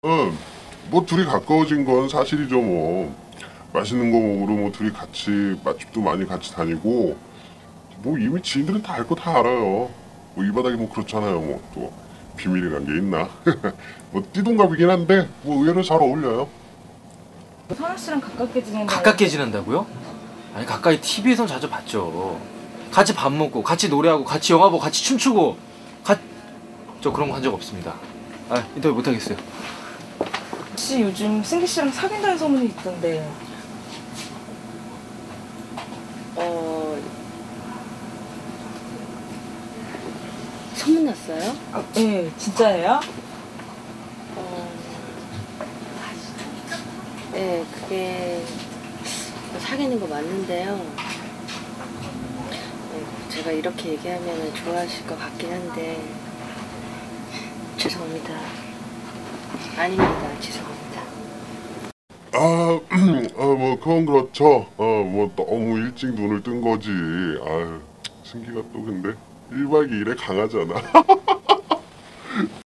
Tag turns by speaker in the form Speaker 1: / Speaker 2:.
Speaker 1: 응, 뭐 둘이 가까워진 건 사실이죠 뭐. 맛있는 거 먹으러 뭐 둘이 같이 맛집도 많이 같이 다니고 뭐 이미 지인들은 다 알 거 다 알아요. 뭐 이 바닥이 뭐 그렇잖아요. 뭐 또 비밀이란 게 있나? 뭐 띠동갑이긴 한데 뭐 의외로 잘 어울려요.
Speaker 2: 선우 씨랑 가깝게 지낸다.
Speaker 3: 가깝게 지낸다고요? 아니 가까이 TV에선 자주 봤죠. 같이 밥 먹고 같이 노래하고 같이 영화 보고 같이 춤추고 저 그런 거 한 적 없습니다. 아 인터뷰 못 하겠어요.
Speaker 2: 혹시 요즘 승기 씨랑 사귄다는 소문이 있던데.
Speaker 4: 소문났어요?
Speaker 2: 아, 네, 진짜예요?
Speaker 4: 네, 그게 사귀는 거 맞는데요. 제가 이렇게 얘기하면 좋아하실 것 같긴 한데 죄송합니다. 아닙니다. 죄송합니다.
Speaker 1: 뭐 그건 그렇죠. 뭐 너무 일찍 눈을 뜬 거지. 아유, 승기가 또 근데 1박 2일에 강하잖아.